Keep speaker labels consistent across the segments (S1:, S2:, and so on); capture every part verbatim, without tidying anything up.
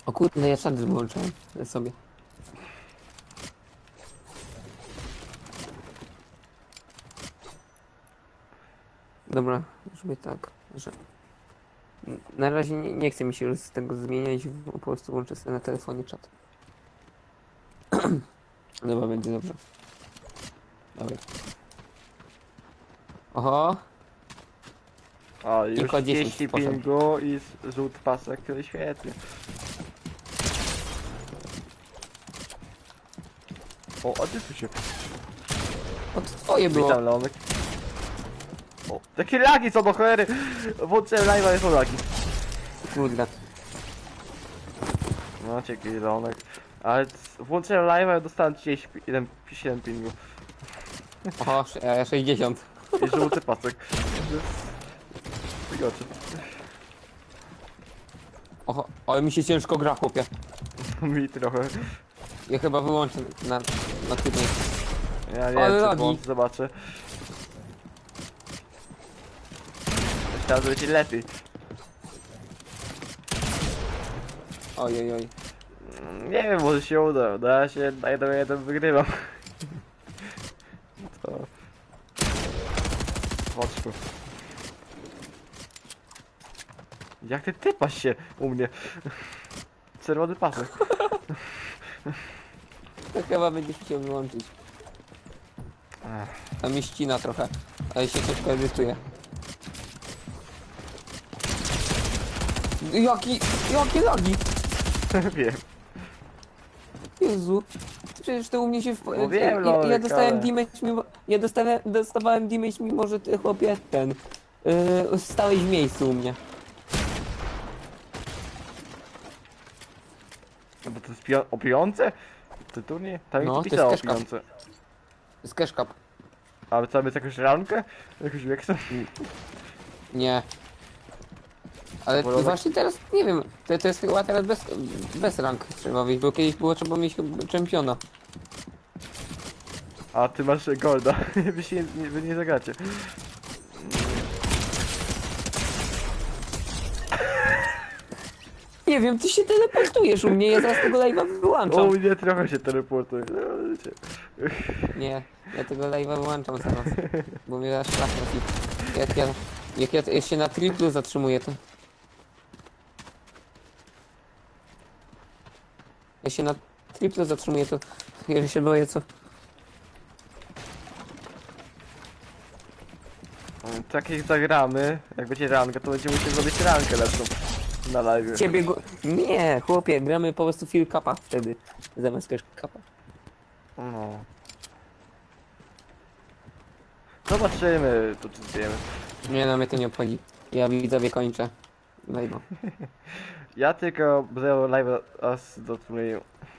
S1: O kurde, ja szady wyłączyłem sobie. Dobra, żeby tak, że... Na razie nie, nie chce mi się już z tego zmieniać, po prostu włączę sobie na telefonie czat. Dobra, będzie dobrze. Dobra. Oho,
S2: O, już
S1: tylko dziesięć
S2: trzydzieści
S1: poszedł.
S2: pingu i z- żółty pasek, świetnie. O, a ty tu się...
S1: O, to twoje było.
S2: Witam, Leonek. O, takie lagi są do cholery! Włączyłem live'a i są lagi.
S1: Kurde.
S2: No, dzięki, Leonek. Ale c- włączyłem live'a i dostałem trzydzieści jeden, siedem pingu.
S1: Oho, sze- e, sześćdziesiąt.
S2: I żółty pasek. Wygoczy.
S1: Oho, ale mi się ciężko gra, chłopie.
S2: Mi trochę.
S1: Ja chyba wyłączę na, na tydzień.
S2: Ja nie
S1: Ale
S2: wiem, co
S1: lagi.
S2: włączę, zobaczę. Myślałem, że będzie lepiej.
S1: Ojej, oj.
S2: Mm, Nie wiem, może się uda. Na razie na jeden jeden wygrywam. To... Oczku. Jak ty typasz się u mnie? Czerwony pasek.
S1: To chyba będziesz chciał wyłączyć.
S2: Ech.
S1: A mi ścina trochę, ale się ciężko edytuje. Jaki, jakie lagi?
S2: Wiem.
S1: Jezu. Przecież to u mnie się w...
S2: No wiem,
S1: ja, ja
S2: Lolek,
S1: dostałem
S2: ale-
S1: damage mimo... Ja dostałem, dostawałem damage mimo, że ty chłopie ten... Yy, stałeś w miejscu u mnie.
S2: No bo to jest pio- o pijące? To turniej? Tam
S1: No,
S2: no,
S1: to
S2: pisał o
S1: jest cashcap.
S2: pijące.
S1: Z cash cup.
S2: Ale tam jest jakąś rankę? Jakąś wieksę?
S1: Nie. Ale
S2: Wolałeś-
S1: właśnie teraz, nie wiem, to, to jest chyba teraz bez, bez rank trzeba wyjść, bo kiedyś było trzeba mieć chyba czempiona.
S2: A ty masz golda. Wy się nie, wy nie zagracie.
S1: Nie wiem, ty się teleportujesz u mnie, ja zaraz tego live'a
S2: O
S1: wyłączam.
S2: mnie trochę się teleportuje. No, wiecie.
S1: Nie, ja tego live'a wyłączam zaraz, bo mnie aż szlak trafi. Jak ja, jak ja, ja się na triplu zatrzymuję, to... Ja się na triplu zatrzymuję, to... Ja się boję, co...
S2: Tak jak zagramy, jak będzie ranka, to będziemy musieli zrobić rankę lepszą na live.
S1: Ciebie go... Nie, chłopie, gramy po prostu Fill Cupa wtedy, zamiast Cash Cupa.
S2: No. Zobaczymy, to czy wiemy.
S1: Nie no, mnie to nie obchodzi. Ja widzowie kończę. Live'a.
S2: Ja tylko będę live aż do turnieju.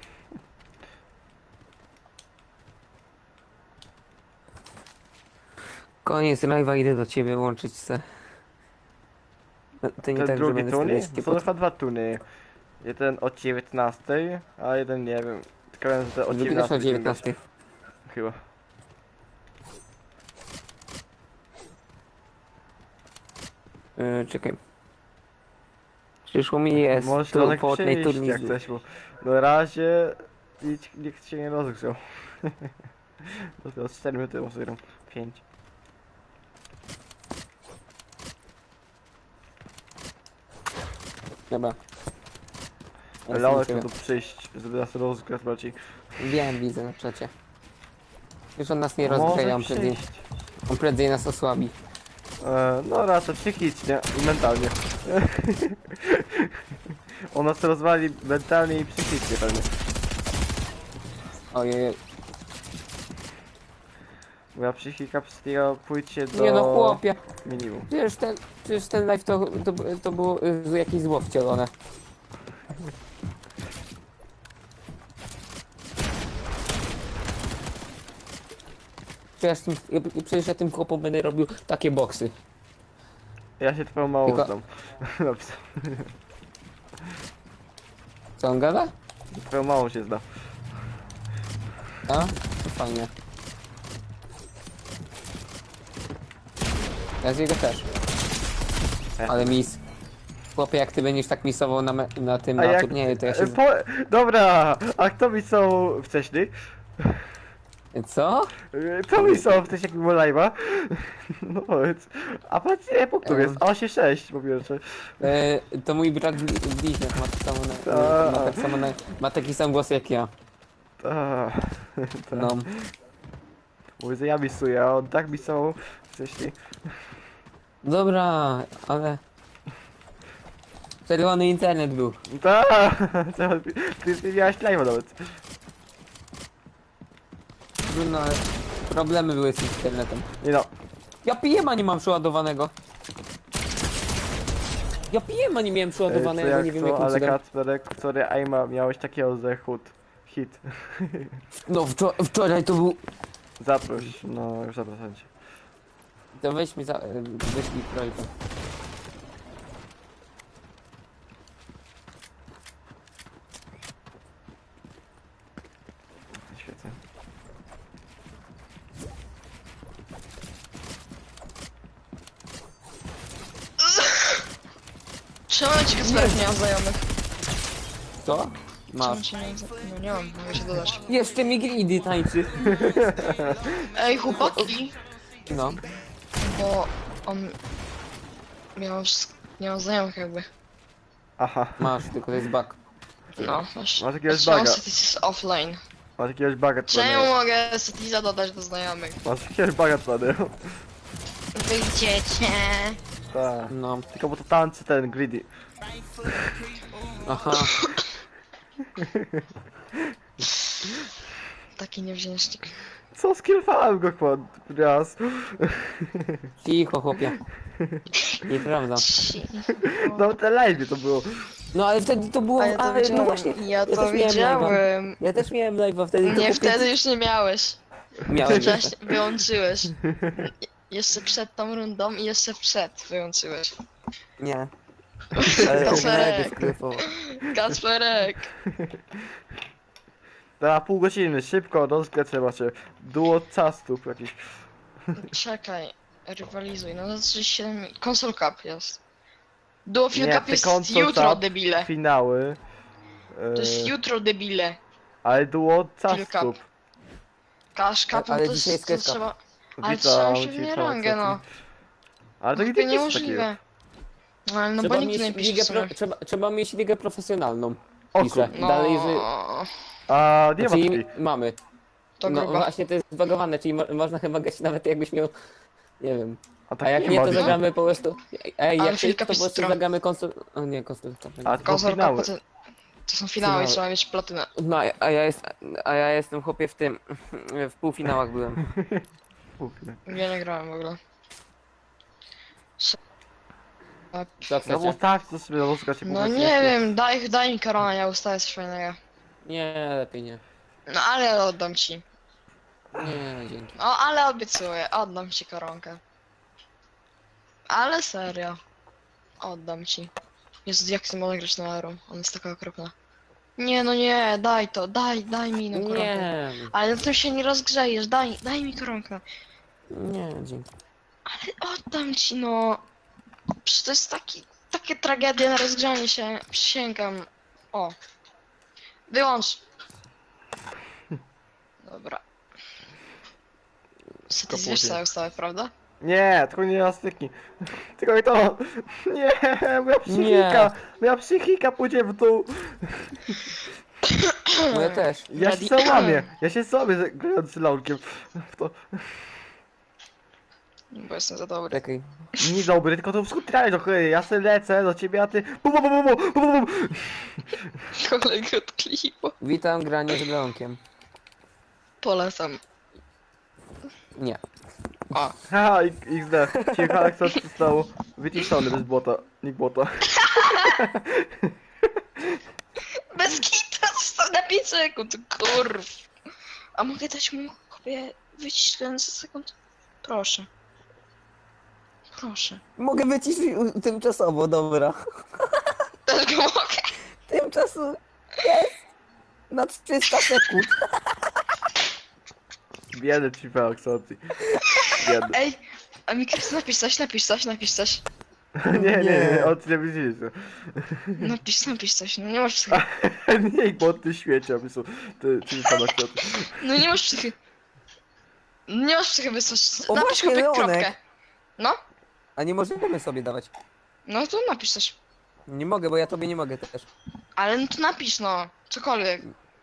S1: Koniec live'a, idę do ciebie łączyć se. No, to nie
S2: Ten
S1: tak, że
S2: drugi
S1: będę
S2: turniej?
S1: sobie
S2: Są chyba dwa turnieje. Jeden o dziewiętnastej, a jeden nie wiem. Tylko wiem, że o
S1: Drugi też o
S2: dziewiętnastej.
S1: dziewiętnastej.
S2: Chyba.
S1: Yy, czekaj. Przyszło mi jest
S2: Możesz
S1: tu
S2: Lonek
S1: Fortnite
S2: przyjść, jak
S1: turniej.
S2: chcesz, bo na razie nic, nikt się nie rozgrzał. Dopiero z cztery minuty może gram. pięć.
S1: Dobra. Ja
S2: Leonek
S1: sobie
S2: miał tu przyjść, żeby nas rozgrzać bardziej.
S1: Wiem, widzę na czacie. Już on nas nie
S2: Może
S1: rozgrzeje, on prędzej,
S2: przyjść.
S1: on prędzej nas osłabi.
S2: E, no raczej psychicznie i mentalnie. On nas rozwali mentalnie i psychicznie pewnie.
S1: Ojej,
S2: Moja psychika przystiga pójdzie do
S1: nie no chłopie.
S2: minimum.
S1: Przecież ten, przecież ten live to, to, to było y, jakieś zło wcielone. Przecież, tym, ja- przecież ja tym chłopom będę robił takie boksy.
S2: Ja się twoją mało
S1: Tylko-
S2: znam. Napisał.
S1: Co on gada?
S2: Twoją małą się zna.
S1: A? To fajnie. Ja z jego też.
S2: E.
S1: Ale mis. Chłopie, jak ty będziesz tak misował na, me- na tym,
S2: A
S1: na
S2: jak...
S1: turnieju, to ja się...
S2: e,
S1: z-
S2: Po... Dobra, a kto mi są wcześniej?
S1: Co?
S2: E, Kto mi są wcześniej jak było live'a? No powiedz. A patrz ile punktów jest?
S1: Em.
S2: osiem sześć po pierwsze.
S1: E, to mój brat bli- bliźniak ma, tak samo na,
S2: Ta.
S1: ma, tak samo na, ma taki sam głos jak ja.
S2: Ta. Ta.
S1: No.
S2: Mówię, że ja misuję, a on tak misował wcześniej.
S1: Dobra, ale... Czerwony internet był.
S2: Ta. Ty, ty miałeś live'a nawet.
S1: No ale... Problemy były z internetem.
S2: Nie no.
S1: Ja pijema nie mam przeładowanego. Ja pijema nie miałem
S2: e, Co
S1: przeładowanego,
S2: jak
S1: nie wiem
S2: co,
S1: jakim
S2: ale
S1: cudem.
S2: Kacperek, sorry, Aima, miałeś takiego ze hut. Hit.
S1: No wczor wczoraj to był...
S2: Zaproś, no już zapraszam cię.
S1: To weź mi za... e, wyślij projekt.
S2: Świecę.
S3: Czemu ci Kacperek nie ma znajomych?
S1: Co?
S3: Czemu
S1: Masz.
S3: ci nie... No nie mam, mogę się dodać.
S1: Jeszcze mi Gridy tańczy.
S3: Ej, chłopaki!
S1: No.
S3: Bo on... Miał... wsz- nie ma znajomych jakby.
S2: Aha,
S1: Masz, tylko to jest bug.
S3: No, masz...
S2: Masz jakiegoś
S3: Czemu
S2: buga.
S3: Cities jest offline?
S2: masz jakiegoś baga
S3: Czemu mogę Citiza dodać do znajomych?
S2: Masz jakiegoś baga twany.
S3: Wyjdziecie!
S2: Tak.
S1: No.
S2: Tylko bo to tańczy ten greedy.
S1: Aha.
S3: Taki niewdzięcznik.
S2: Co, skillfałem go chłop raz.
S1: Cicho, chłopie. Nieprawda.
S3: Ci.
S2: No te live to było.
S1: No ale wtedy to było...
S3: A ja to
S1: ale, no
S3: widziałem.
S1: właśnie.
S3: Ja
S1: też
S3: to
S1: miałem live'a.
S3: widziałem.
S1: Ja też miałem live'a wtedy.
S3: Nie,
S1: tylko
S3: wtedy już nie miałeś.
S1: Miałem.
S3: Wcześniej wyłączyłeś. Jeszcze przed tą rundą i jeszcze przed wyłączyłeś.
S1: Nie. Ale
S3: Kacperek.
S1: sklepowo.
S3: Kacperek!
S2: Na pół godziny, szybko, rozgrę macie. Duo castów jakiś.
S3: Czekaj, rywalizuj. No to trzydzieści siedem... Console Cup jest. Duo Field
S2: Nie,
S3: Cup
S2: te
S3: jest
S2: Console
S3: jutro,
S2: Cup,
S3: debile.
S2: Finały.
S3: To jest
S2: E,
S3: jutro, debile.
S2: ale duo
S3: Field
S2: castów.
S3: Cup. Cash Cup, no
S1: Ale
S3: to,
S1: dzisiaj
S3: jest,
S1: jest
S3: to
S1: Cash Cup.
S3: trzeba... Ale
S2: Witam,
S3: trzeba się w
S2: witam,
S3: nie rangę,
S2: co
S3: no.
S2: ty? Ale to
S3: To
S2: nigdy
S3: chyba
S2: nie jest takiego.
S3: niemożliwe. No ale no
S1: Trzeba
S3: bo nikt
S1: mieć,
S3: nie pisze
S1: ligę
S3: w sumie.
S1: pro, trzeba, trzeba mieć ligę profesjonalną.
S2: O
S1: Pisze.
S2: kur-
S3: No,
S1: Dalej, że...
S2: A nie ma
S1: Czyli
S2: takiej.
S1: mamy.
S3: to
S1: No
S3: grubo.
S1: właśnie to jest zbagowane, czyli mo można chyba grać nawet jakbyś miał... Nie wiem.
S2: A
S1: A
S2: tak
S1: jak
S2: nie
S1: nie,
S2: ma.
S1: to
S3: no.
S1: zagramy po prostu... Ej,
S3: Ale
S1: jak ty,
S3: Filip
S1: to po prostu
S3: Kapistro.
S1: zagramy konsol... O nie, konsol...
S2: A to
S3: Console
S2: finały.
S3: Cup to, to są finały,
S1: Finały.
S3: trzeba mieć platynę.
S1: No, a ja- a ja, jest, a ja jestem chłopie w tym... W półfinałach byłem.
S2: Głupie.
S3: Ja nie grałem w ogóle.
S1: Co
S2: No
S1: chcecie?
S2: bo tak, to sobie rozgrać się
S3: No nie wiem, daj, daj mi korona, ja ustawię coś fajnego.
S1: Nie, lepiej nie.
S3: No ale oddam ci.
S1: Nie, dzięki.
S3: No ale obiecuję, oddam ci koronkę. Ale serio. Oddam ci. Jezu, jak ty mogę grać na Aero? Ona jest taka okropna. Nie, no nie, daj to, daj, daj mi inną koronkę.
S1: Nie,
S3: Ale na tym się nie rozgrzejesz, daj, daj mi koronkę.
S1: nie, dzięki.
S3: Ale oddam ci, no. Przecież to jest taki, takie tragedie na rozgrzanie się, przysięgam. O. Wyłącz. Dobra. Co ty zwiesz całą ustawę, prawda?
S2: Nie, tylko nie raz styknij. Tylko nie to. Nie, moja psychika. Moja psychika pójdzie w dół.
S1: No ja też.
S2: Ja się
S3: Ready?
S2: załamię. Ja się załamię z- grając z launkiem. W to.
S3: Bo jestem za dobry.
S1: Czekaj.
S2: Nie dobry, tylko to skutraj do cholery. Ja se lecę do ciebie, a ty. Bum, bum, bum, bum, bum, bum, bum.
S3: Kolego od klipu.
S1: Witam, granie z Blankiem.
S3: Polecam.
S1: Nie.
S3: O.
S2: Haha, X D. Ciekawe co się stało. Wyciszony bez błota. Nikt błota.
S3: Bez kita został na pięć sekund, kurw. A mogę dać mu kopie wyciślając za sekund? Proszę. Proszę.
S1: Mogę wyciszyć u- tymczasowo, dobra.
S3: Też go mogę.
S1: Tymczasu jest na trzysta sekund.
S2: Biedny ci Aksacji. Biedny.
S3: Ej, a mi Krystian napisz coś, napisz coś, napisz coś.
S2: Nie, nie, nie,
S1: Nie.
S2: od telewizji.
S3: Napisz, napisz coś, no nie masz psychy.
S2: Nie, bo ty śmieci, aby są te ty pana kwiaty.
S3: No nie masz psychy. Nie masz psychy wysłać.
S1: O,
S3: Napisz
S1: właśnie,
S3: chłopie
S1: Leonek.
S3: kropkę. No,
S1: A nie możemy sobie dawać.
S3: no to napisz coś.
S1: Nie mogę, bo ja tobie nie mogę też.
S3: Ale no to napisz no, cokolwiek.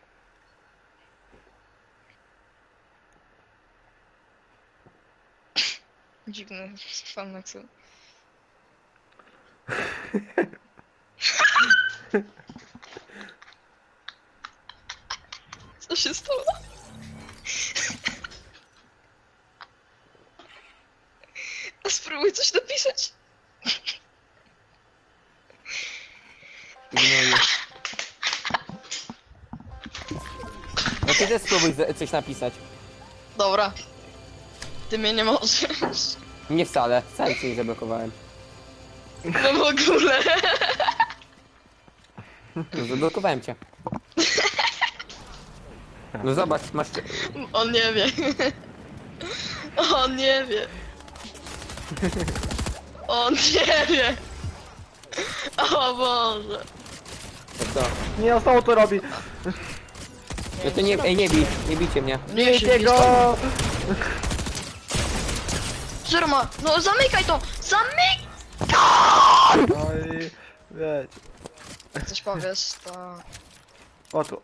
S3: Dziwny fan Nexu. Co się stało? A spróbuj coś napisać.
S1: Ignoruję. No ty też spróbuj z- coś napisać.
S3: Dobra. Ty mnie nie możesz.
S1: Nie wcale, wcale cię nie zablokowałem.
S3: No w ogóle.
S1: No, zablokowałem cię. No zobacz, masz...
S3: On nie wie. On nie wie. On nie wie. O Boże.
S1: To co?
S2: Nie, on samo to robi.
S1: No to nie, ej, nie bij, nie bijcie mnie.
S3: Nie się
S2: Jego!
S3: Zero ma. No zamykaj to! Zamykaj!
S2: No i... Wiecie.
S3: Coś powiesz, to...
S2: O tu.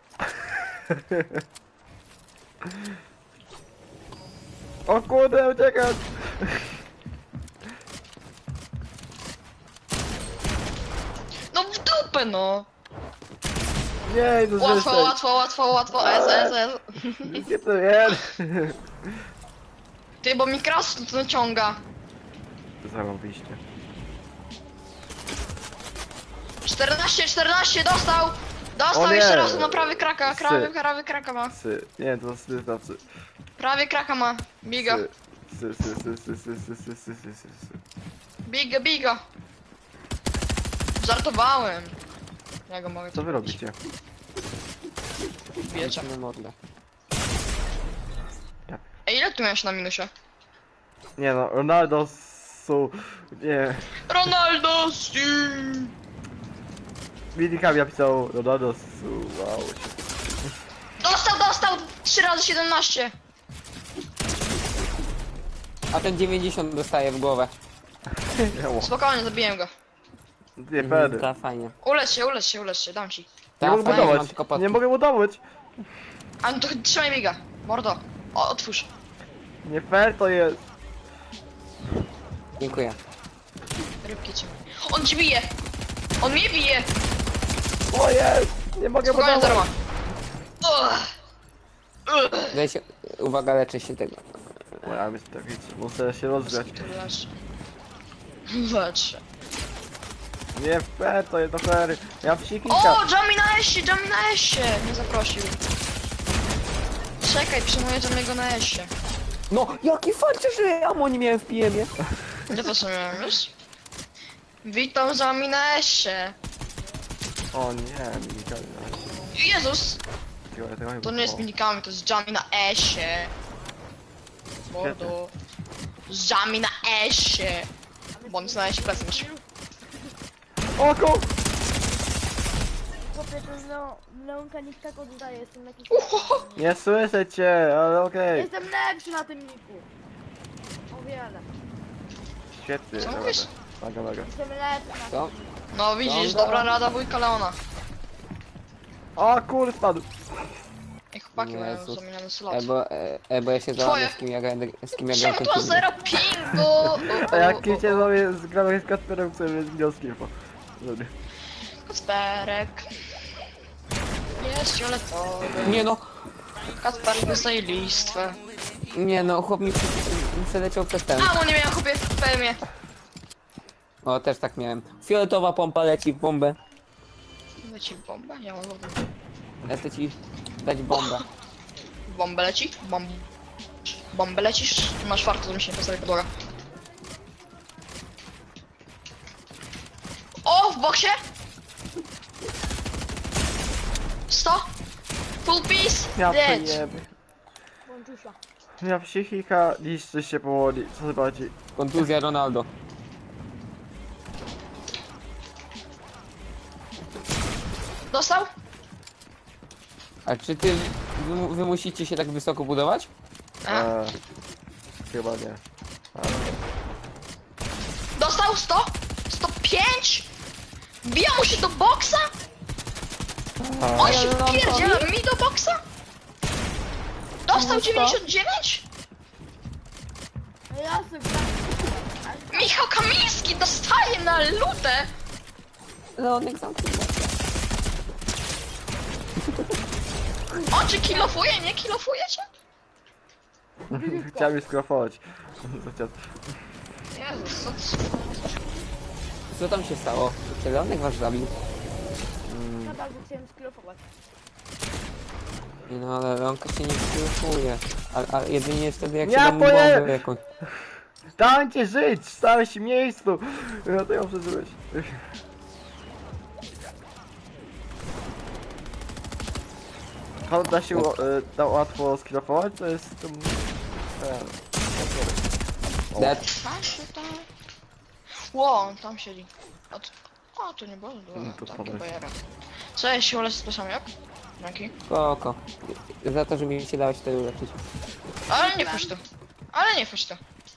S2: O kurde, uciekać!
S3: No w dupę no!
S2: Nie, no
S3: Łatwo,
S2: zresztą.
S3: łatwo, łatwo, łatwo, S, S, S.
S2: Gdzie to jest?
S3: Ty, bo mi kras to naciąga.
S2: Zarobiście.
S3: czternaście, czternaście, dostał!
S2: O
S3: Dostał
S2: nie.
S3: jeszcze raz, no prawie kraka, prawie,
S2: Sy.
S3: prawie kraka ma.
S2: Sy. Nie, to sy, to sy.
S3: Prawie kraka ma. Biga,
S2: Sy, sy, sy, sy, sy, sy, sy, sy, sy, sy, sy.
S3: biga, biga. Żartowałem. Ja go mogę
S2: Co wy robicie?
S3: Wiecie.
S1: Na mordę.
S3: Ej, ile tu miałeś na minusie?
S2: Nie no, Ronaldo su... Nie.
S3: Ronaldo, si.
S2: Minikami napisał Ronaldo su... Wow.
S3: Dostał, dostał! trzy razy siedemnaście.
S1: A ten dziewięćdziesiąt dostaje w głowę.
S2: Nie,
S3: Spokojnie, zabiłem go.
S2: nie pewny.
S1: Ta fajnie.
S3: Ulecz się, ulecz się, ulecz się, dam ci.
S2: Nie
S1: Ta
S2: mogę
S1: fajnie, mam
S2: budować.
S1: tylko pod...
S2: Nie mogę budować.
S3: A no to trzymaj biga. Mordo. O, otwórz.
S2: Nie fair to jest.
S1: Dziękuję.
S3: Rybki cię. On ci bije! On mnie bije!
S2: O jest! Nie mogę
S3: Spokojnie,
S2: budować.
S3: zero ma. Ugh. Ugh.
S1: Daj się... Uwaga, leczę się tego.
S2: Moja myśl tak wiecie, muszę się rozgrzać.
S3: Lecz. Lecz.
S2: Nie fair to jest, to fair. Ja w
S3: O,
S2: sikika.
S3: Jamie na esie, Jamie na esie! Nie zaprosił. Czekaj, przyjmuję Jamiego na esie.
S1: No, jaki farcie, że amo nie miałem w P M-ie.
S3: Gdzie to sobie miałem już? Witam Jamie na esie.
S2: O nie, minikami.
S3: Jezus!
S2: Tego, tego chyba
S3: To nie jest
S2: było.
S3: minikami, to jest Jamie na esie. Mordo. Jamie na esie. Bo on jest na esie present.
S2: O ku...
S4: Chłopie, to Leo- Leonka nikt tak oddaje, jestem jakiś...
S3: Uhoho.
S2: Nie słyszę cię, ale okej.
S4: Jestem lepszy na tym niku. O wiele.
S2: Świetnie,
S3: Co
S2: dobra.
S3: mówisz?
S2: Mega, mega.
S4: Jestem lepszy na
S1: Co?
S3: No widzisz,
S1: Dobra.
S3: dobra rada wujka Leona.
S2: O kur, spadł.
S3: Ej, chłopaki mają
S1: Jezus.
S3: zamieniony slot.
S1: E, bo, e, e, bo ja się
S3: Twoje.
S1: załamię z kim ja grałem, z kim ja grałem
S3: Czemu
S1: ten
S3: to
S1: film.
S3: zero pingu?
S2: A jak kicie sobie z gramy z Kasperem, który z wnioskiem, bo... Dobra.
S3: Kacperek. Jest fioletowy.
S1: Nie no,
S3: Kacperek dostaje listwę.
S1: nie no, chłop mi przy- przeleciał przez ten.
S3: A, bo nie miałem chłopie w P M-ie.
S1: O, też tak miałem. Fioletowa pompa leci w bombę.
S3: Leci w bombę? Ja mam wodę.
S1: Ja chcę ci dać bombę.
S3: W bombę leci? Bomb. Bombę lecisz? Masz farto, że mi się nie postawi podłoga. O, w boksie! sto? Full piece?
S2: Ja
S3: Dead.
S2: pojeby.
S4: Bączusia.
S2: Ja psychika niszczy się powoli, co zobaczy.
S1: Kontuzja Ronaldo.
S3: Dostał?
S1: A czy ty, wy, mu- wy musicie się tak wysoko budować?
S3: A.
S2: E, chyba nie.
S3: Dostał sto? sto pięć? Bija mu się do boksa? On się
S1: Ale on
S3: wpierdziela mi do boksa? Dostał
S1: No co?
S3: dziewięćdziesiąt dziewięć?
S4: No ja sobie gram.
S3: Michał Kamiński dostaje na lutę!
S1: Leonek zamknął.
S3: On czy kilofuje, nie kilofujecie?
S2: Chciałem już skrofować.
S3: Jezus, co
S1: Co tam się stało? Czy Leonek was zabił?
S4: Na bardzo chciałem sklofować.
S1: Nie no, ale Leonka się nie skryfuje. Ale, ale jedynie jest wtedy jak
S2: Ja
S1: się da mu
S2: poje-
S1: bombę jakąś.
S2: Dajcie żyć! Stałeś się miejscu! Ja to ją przeżyłeś. How da się ło- y, da łatwo skrofować? To jest... Um, e, o.
S1: Dead.
S3: tam się tam... Ło, on tam siedzi. O, to, o, to nie było
S2: No
S3: no,
S2: to
S3: takie
S2: podaj.
S3: bajera. Co, ja się ulecę z jak? Dzięki.
S1: Spoko. Za to, że mi się dałeś wtedy uleczyć.
S3: Ale nie puść to. Ale nie puść to.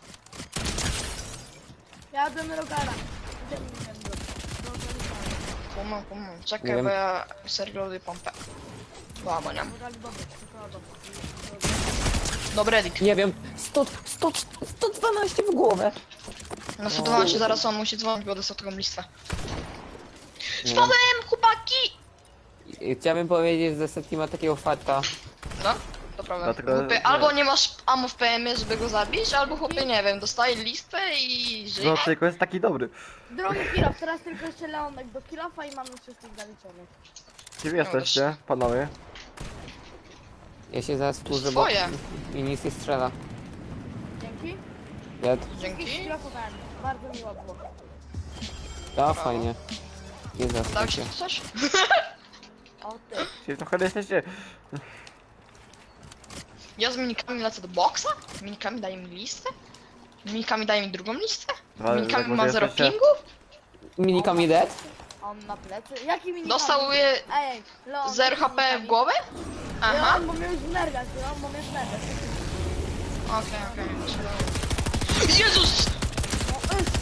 S4: Jadę na rogara. Idziemy, idziemy do... do Rogala.
S3: Kumam, kumam.
S1: Nie
S3: Czekaj,
S1: wiem.
S3: bo ja serio lubię pompę. Baba, nie?
S4: Rogali dobry, tylko dobry.
S3: Dobry edik.
S1: Nie wiem, sto, sto, sto dwanaście w głowę.
S3: Na sto dwanaście zaraz on musi dzwonić, bo dostał taką listę.
S1: Nie.
S3: Spadłem, chłopaki!
S1: I Chciałbym powiedzieć, że Seti ma takiego farta.
S3: No, to prawda.
S2: Dlatego-
S3: Chłopie, albo nie masz ammo w P M ie, żeby go zabić, albo chłopie, nie wiem, dostaje listę i żyje.
S2: No tylko jest taki dobry.
S4: Drugi kilof, teraz tylko jeszcze Leonek do kilofa i mamy wszystkich zaliczonych.
S2: Gdzie wy jesteście, panowie?
S1: Ja się zaraz
S3: jest
S1: wkurzę, bo
S3: twoje.
S1: mi nic nie strzela.
S4: Dzięki.
S1: Dead.
S4: Wszystkich
S3: Dzięki.
S4: skilofowałem. Bardzo miło było.
S1: To fajnie. Nie
S3: Dał
S1: zaskoczę.
S3: się tu coś?
S4: O ty.
S2: Gdzie trochę jesteście?
S3: Ja z minikami lecę do boksa? Minikami daje mi listę? Minikami daje mi drugą listę?
S2: Ale
S3: Minikami
S2: jak
S3: ma
S2: może
S3: zero
S2: jesteście-
S3: pingu?
S1: Minikami dead?
S4: A on na plecy. Jaki mini?
S3: Dostał je
S4: Ej, Leon.
S3: zero
S4: jaki
S3: H P w
S4: minikami?
S3: głowę? Aha.
S4: Leon, bo mnie już znerwiać, Leon, bo mnie znerwiać.
S3: Okej, okej. Jezus!
S4: No, jeszcze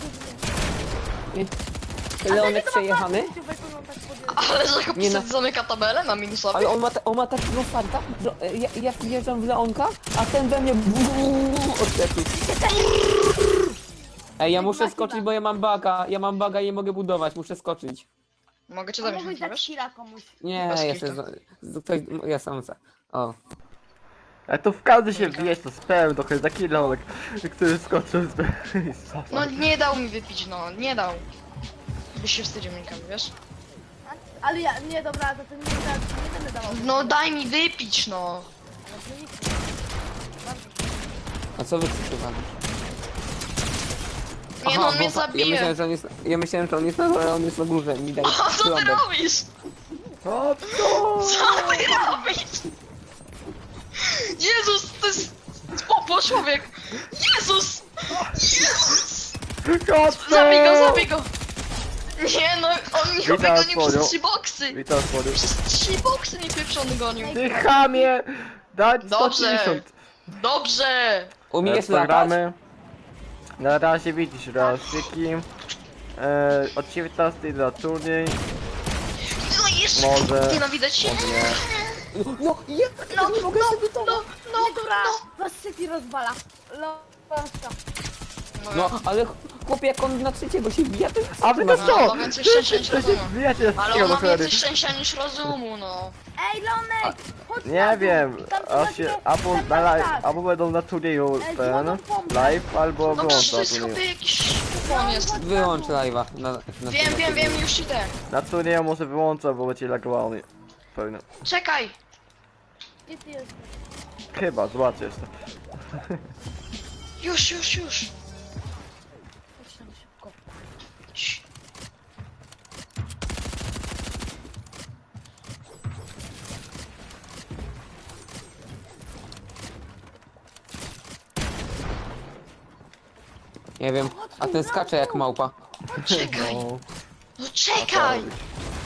S4: zbyt
S1: Leonek przejechany?
S3: Ale że
S1: Nie no.
S3: chłopcy zamyka tabelę na minusowy?
S1: Ale on ma, ta, on ma takiego farta, że e, ja, ja wjeżdżam w Leonka, a ten we mnie odlepił. Ej, ja muszę skoczyć, bo ja mam baga, ja mam baga i nie mogę budować, muszę skoczyć.
S3: Mogę cię
S4: A
S3: zabić,
S4: mógłbyś
S3: nie
S4: dać
S3: wiesz?
S4: killa komuś.
S1: Nie,
S3: Bez
S1: jeszcze
S3: kitu.
S1: z, z, ktoś, ja sam za. O.
S2: A to w każdy się wbijać, to spełń trochę taki lonek, który skoczył z...
S3: No nie dał mi wypić, no, nie dał. Byś się wstydził minikami, wiesz?
S4: A- Ale ja, nie dobra, to ty nie, da- nie będę dawał.
S3: No daj mi wypić, no.
S4: Ale to nic.
S1: A co wy chcecie walić?
S3: Nie no, on
S1: bo
S3: mnie
S1: fa- Ja
S3: zabije.
S1: myślałem, że on jest, ja myślałem, że on jest na dole, a on jest na górze, mi daj
S3: O, co ty
S1: trąbę.
S3: robisz?
S2: O co?
S3: Co ty robisz? Jezus, to jest... Popo, człowiek! Jezus! Jezus!
S2: Kotko!
S3: Zabij go, zabij go! Nie no, on mnie
S2: Witam,
S3: gonił przez
S2: Słoniu.
S3: trzy boksy!
S2: Witam, Słoniu.
S3: Przez trzy boksy mnie pieprzony gonił.
S2: Ty chamie! Dać sto
S3: Dobrze.
S2: pięćdziesiąt.
S3: Dobrze!
S1: Umiesz
S2: E,
S1: latać?
S2: programy. Na razie widzisz razyki. E, od dziewiętnastej na turniej.
S3: No jeszcze!
S2: Może-
S3: Nienawidzę cię!
S2: Nie.
S1: No, ja
S3: No,
S1: nie mogę sobie to...
S3: no, no,
S4: Nie dobra,
S3: no!
S4: was City rozwala. Leonka.
S1: No, ale chłopie, jak on na trzeciego się wbija, to jest...
S2: A wy to
S3: No,
S2: co?
S3: ma więcej szczęścia niż
S2: To się
S3: rozumu.
S2: wbijacie z
S3: Ale
S2: tego
S3: on
S2: do
S3: ma
S2: cholery.
S3: więcej szczęścia niż rozumu, no.
S4: Ej, Leonek! Chodź na
S2: Nie
S4: dół.
S2: wiem,
S4: Tam są
S2: a
S4: takie-
S2: się, albo,
S4: tam
S2: na
S4: tak,
S2: live,
S4: tak.
S2: albo będą na turnieju
S4: Ej,
S2: ten,
S4: złotą pompę.
S2: live, albo
S3: No przecież to
S2: wyłącza
S3: jest
S2: turnieju.
S3: chyba jakiś kupon jest.
S1: Wyłącz live'a. Na, na
S3: Wiem, wiem, wiem, już idę.
S2: Na turnieju może wyłącza, bo będzie lagowany. Pewnie.
S3: Czekaj!
S4: Gdzie ty jesteś?
S2: Chyba, zobaczcie jeszcze.
S3: Już, już, już.
S4: Chodź tam szybko.
S3: Cii.
S1: Nie wiem, a ten skacze jak małpa.
S3: Czekaj!
S2: No,
S3: No czekaj!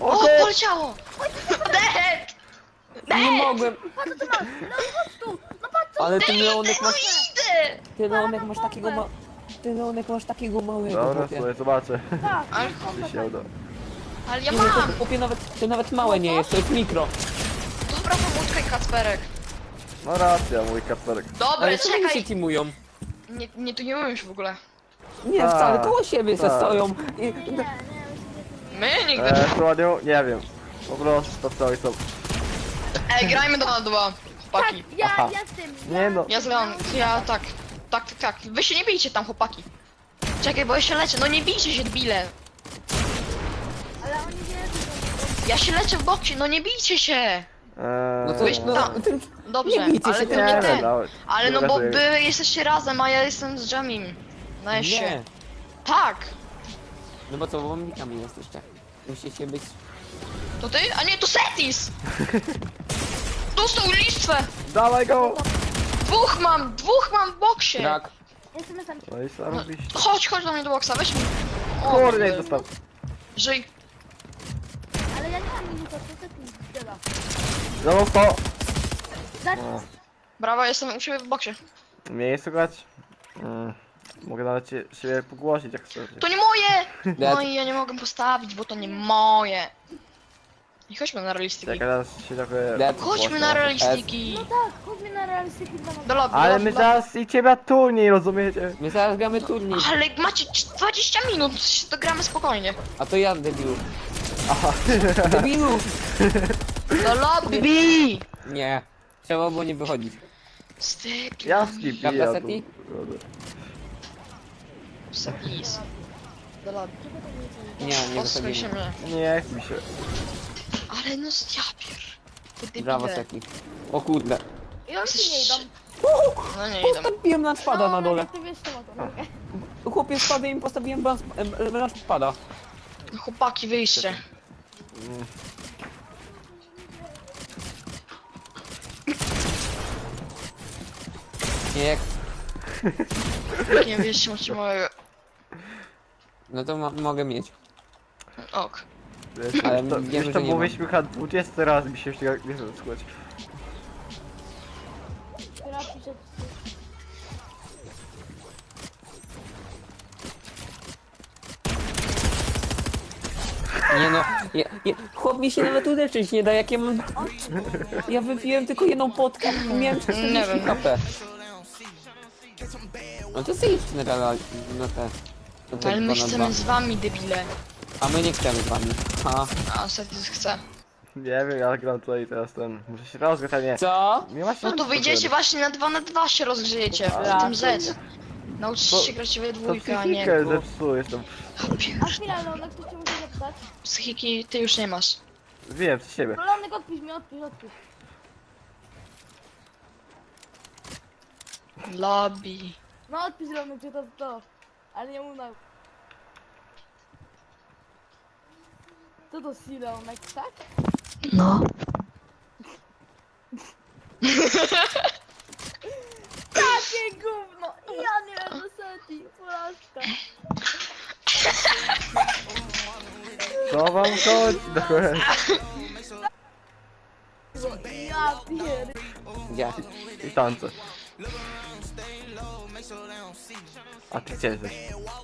S2: O,
S3: O,
S2: go!
S3: poleciało! Dead!
S1: Nie mogłem.
S4: Patrz co ty masz! No chodź tu! No patrz co
S1: Ale ty
S3: Dead,
S1: Leonek
S3: no
S1: masz...
S3: idę!
S1: Ty Leonek masz takiego ma... Ty Leonek masz takiego małego,
S2: Dobra,
S1: chłopie.
S2: sobie zobaczę.
S4: tak!
S3: Ale
S2: Czy się uda.
S3: Ale ja
S1: Nie, no to
S3: mam!
S1: chłopie nawet, to nawet małe nie jest, to jest mikro.
S3: Dobra, pomóczkaj Kacperek.
S2: No racja, mój Kacperek.
S3: Dobra,
S1: Ale co oni się
S3: czekaj.
S1: teamują?
S3: Nie, nie, tu nie mówię już w ogóle.
S1: Nie,
S2: Tak,
S1: wcale, koło siebie se
S2: tak.
S1: stoją. I...
S4: Nie, nie, nie,
S3: My nigdy.
S2: Eee, Słoniu, nie wiem. Po prostu to co są.
S3: Ej, grajmy dwa na dwa. Chłopaki.
S4: Tak, ja,
S2: Aha.
S4: ja z tym.
S2: Nie no.
S3: Ja zgram, ja tak. Tak, tak, tak. Wy się nie bijcie tam, chłopaki. Czekaj, bo ja się leczę. No nie bijcie się, debile.
S4: Ale oni wiedzą,
S3: Ja się leczę w boksie, no nie bijcie się.
S2: Eee,
S1: No to
S3: Weź
S1: no,
S3: tam.
S1: tym...
S3: Dobrze,
S1: Nie bijcie
S3: ale
S1: się,
S3: to
S1: nie
S3: nie
S2: wiem,
S3: ten.
S2: nawet.
S3: Ale no
S2: Dobra,
S3: bo
S2: to jest.
S3: wy jesteście razem, a ja jestem z Jamim. Na
S1: Nie.
S3: się. Tak.
S1: No bo co, bombikami jesteście. Musicie być...
S3: To ty? A nie, to Setis! Dostał listwę!
S2: Dawaj go!
S3: Dwóch mam, dwóch mam w boksie!
S1: Krak.
S4: jestem na sam.
S2: No i co robisz?
S3: Chodź, chodź do mnie do boksa, weź mi. O,
S2: Kurde, jak
S3: kurde.
S2: dostał.
S3: Żyj.
S4: Ale ja nie mam minuta, co ty tu zdziela?
S2: No to.
S4: Dać
S2: O,
S3: Brawo, jestem u siebie w boksie.
S2: mnie nie słuchać. Mm, mogę nawet się, siebie pogłosić jak chcesz.
S3: To nie moje!
S1: Dead.
S3: No i ja nie mogę postawić, bo to nie moje. I chodźmy na realistyki.
S2: Czekaj, teraz się trochę...
S1: Dead.
S3: Chodźmy na realistyki.
S4: No tak, chodźmy na realistyki dwa na
S3: Do lobby,
S2: Ale
S3: do
S2: my
S3: lobby.
S2: zaraz i ciebie turniej, rozumiecie?
S1: My zaraz gramy turniej.
S3: Ale macie dwadzieścia minut, to gramy spokojnie.
S1: A to ja, debilu.
S2: Aha.
S1: Debilu!
S3: Do lobby!
S1: Nie. Trzeba było nie wychodzić.
S3: Styk.
S2: Ja skipię.
S1: Prawda, Seti?
S3: Please. Do lobby.
S1: Nie, nie
S3: Posłuchaj się
S1: wychodzimy.
S3: mnie.
S2: Nie chce mi się.
S3: Ale no ja pier... Ty debile.
S1: Brawo, Seti. O kurde.
S4: I oni ci nie idą.
S3: No nie idę.
S1: Postawiłem lunchpada na dole.
S4: Ty wiesz co ma to, no.
S1: Chłopie spadł i postawiłem lunchpada.
S3: Chłopaki, wyjście.
S1: Nie, jak...
S3: Jak nie wyjście, macie małego.
S1: No to mo mogę mieć.
S3: Ok.
S2: Wiesz,
S1: Ale
S2: to,
S1: wiemy,
S2: wiesz,
S1: że
S2: to
S1: nie
S2: mówiliśmy chyba dwudziesty raz mi się już tego nie chcę słuchać.
S4: Teraz pisze,
S1: Nie no, ja, ja, chłop mi się nawet uleczyć nie da, jak ja mam... Ja wypiłem tylko jedną potkę i miałem
S3: Nie
S1: czterdzieści
S3: wiem.
S1: H P. No to sobie idźcie na, gala- na te... Na te
S3: Ale my
S1: dwa na
S3: chcemy
S1: dwa.
S3: z wami, debile.
S1: A my nie chcemy z wami. Ha.
S3: A Setis chce.
S2: Nie wiem, ja gram tutaj teraz ten... Muszę się rozgrzać, a nie.
S1: Co?
S2: Nie ma
S3: No
S2: sensu
S3: to wyjdziecie właśnie na dwa na dwa się rozgrzejecie. W tym Z. Nauczycie się grać we
S2: To
S3: dwójkę, a nie
S2: psychikę
S3: ku...
S2: zepsujesz tam.
S4: a chwila, Leonek, ktoś cię musi zapytać.
S3: Psychiki ty już nie masz.
S2: Wiem, z siebie.
S4: No Leonek, odpisz mi, odpisz, odpisz.
S3: Lobby.
S4: No odpisz Leonek, czy to to. Ale nie mów na... Co to si Leonek, tak?
S3: No.
S4: Takie gówno! Ja nie wiem, do seti, porażka.
S2: Co wam chodzi? Dokładnie.
S4: Ja pier...
S1: Gdzie?
S2: I tańce. A ty gdzie jesteś?